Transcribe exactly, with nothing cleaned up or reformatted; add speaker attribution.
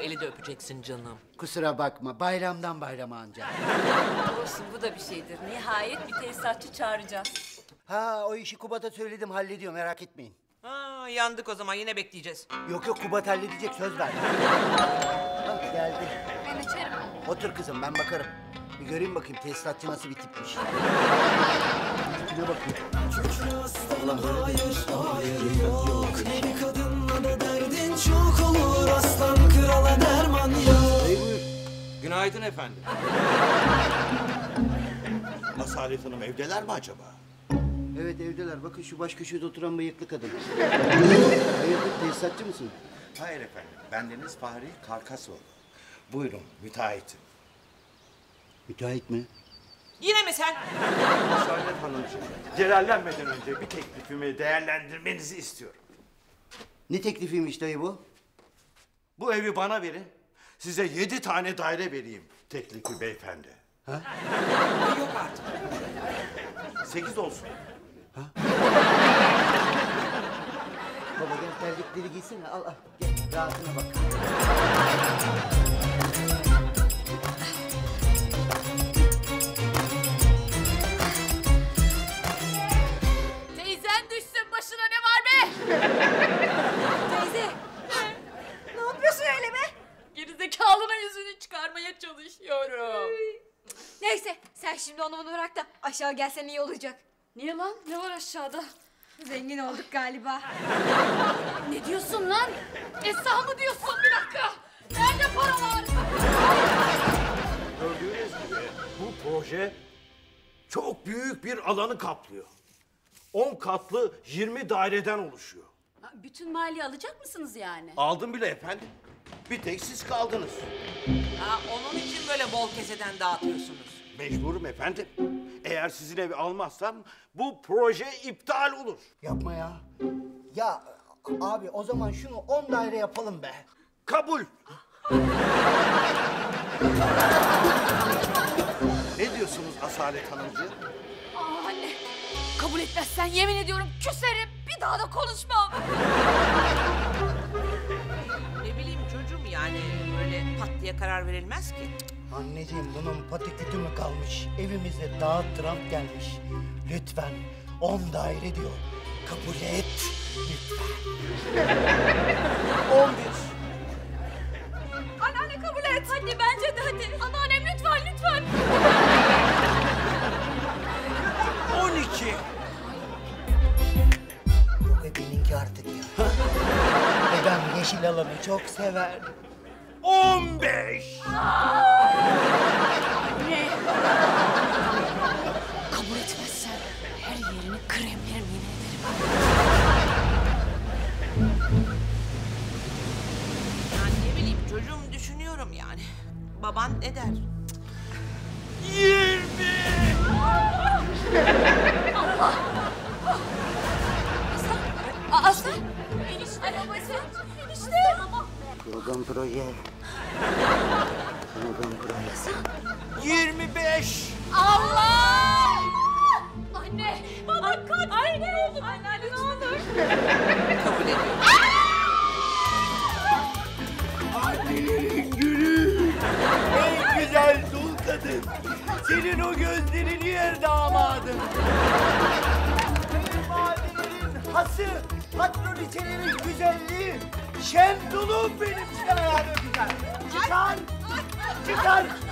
Speaker 1: eli de öpeceksin canım.
Speaker 2: Kusura bakma, bayramdan bayrama ancak.
Speaker 3: Olsun, bu da bir şeydir. Nihayet bir tesisatçı çağıracağız.
Speaker 2: Ha, o işi Kubat'a söyledim, hallediyor, merak etmeyin.
Speaker 1: Ha, yandık o zaman, yine bekleyeceğiz.
Speaker 2: Yok yok, Kubat halledecek, söz ver. Bak geldi.
Speaker 3: Ben açarım.
Speaker 2: Otur kızım, ben bakarım. Bir göreyim bakayım tesisatçı nasıl bir tipmiş. Tipine bakayım. Allah hayır, hayır yok.
Speaker 4: Bir kadınla da derdin çok olur. Aslan krala derman yok.
Speaker 2: Hey, buyur.
Speaker 5: Günaydın efendim. Asalet Hanım evdeler mi acaba?
Speaker 2: Evet evdeler. Bakın şu baş köşede oturan bıyıklı kadın. Hayırdır, tesisatçı mısın?
Speaker 5: Hayır efendim. Bendeniz Fahri Karkasoğlu. Buyurun müteahhitim.
Speaker 2: Müteahhit mi?
Speaker 1: Yine mi sen?
Speaker 5: Asalet Hanımcığım, celallenmeden önce bir teklifimi değerlendirmenizi istiyorum.
Speaker 2: Ne teklifiymiş dayı bu?
Speaker 5: Bu evi bana verin. Size yedi tane daire vereyim teklifi beyefendi.
Speaker 2: Ha?
Speaker 1: Yok artık.
Speaker 5: Sekiz olsun.
Speaker 2: Baba gel terlikleri giysene, al al. Gel, rahatına bak.
Speaker 3: Teyzen düşsün başına, ne var be? Teyze. Ne yapıyorsun öyle be? Gerizekalının yüzünü çıkarmaya çalışıyorum.
Speaker 6: Neyse sen şimdi onu bunu bırak da aşağı gelsen iyi olacak.
Speaker 3: Niye lan? Ne var aşağıda?
Speaker 6: Zengin olduk galiba.
Speaker 3: Ne diyorsun lan? Esra mı diyorsun? Bir dakika. Nerede paralar?
Speaker 5: Gördüğünüz gibi bu proje çok büyük bir alanı kaplıyor. On katlı yirmi daireden oluşuyor.
Speaker 3: Bütün maliye alacak mısınız yani?
Speaker 5: Aldım bile efendim. Bir tek siz kaldınız.
Speaker 1: Ha, onun için böyle bol keseden dağıtıyorsunuz.
Speaker 5: Mecburum efendim. Eğer sizin evi almazsam bu proje iptal olur.
Speaker 2: Yapma ya. Ya abi o zaman şunu on daire yapalım be.
Speaker 5: Kabul. Ne diyorsunuz Asalet Hanımcığım?
Speaker 6: Aa anne kabul etmezsen yemin ediyorum küserim bir daha da konuşmam.
Speaker 1: Ne bileyim çocuğum, yani böyle pat diye karar verilmez ki.
Speaker 2: Anneciğim bunun patikütü mü kalmış? Evimize daha Trump gelmiş. Lütfen on daire diyor. Kabul et. Lütfen.
Speaker 5: On bir.
Speaker 6: Anneanne kabul et. Hadi bence de hadi. Anneannem lütfen lütfen.
Speaker 5: On iki.
Speaker 2: Yok e benimki artık ya. Dedem yeşil alanı çok sever.
Speaker 5: On beş.
Speaker 6: Anne. Kabul etmezsen her yerini kremlerim yemin ederim.
Speaker 1: Yani ne bileyim çocuğum, düşünüyorum yani. Baban ne der?
Speaker 5: Yirmi.
Speaker 6: Aa, Aslan. Enişte. Babası. Enişte.
Speaker 2: Slogan proje. Slogan proje.
Speaker 5: Yirmi beş.
Speaker 6: Allah! Anne. Baba kaç. Anne ne olur. Anne ne olur.
Speaker 1: Kabul ediyorum.
Speaker 5: Annelerin gülü. En güzel dul kadın. Senin o gözlerini yer damadın. Kayınvalidelerin hası. Patroniçelerin güzelliği. Şendulum benim, çıkar ayağını öpeceğim. Çıkar. Çıkar.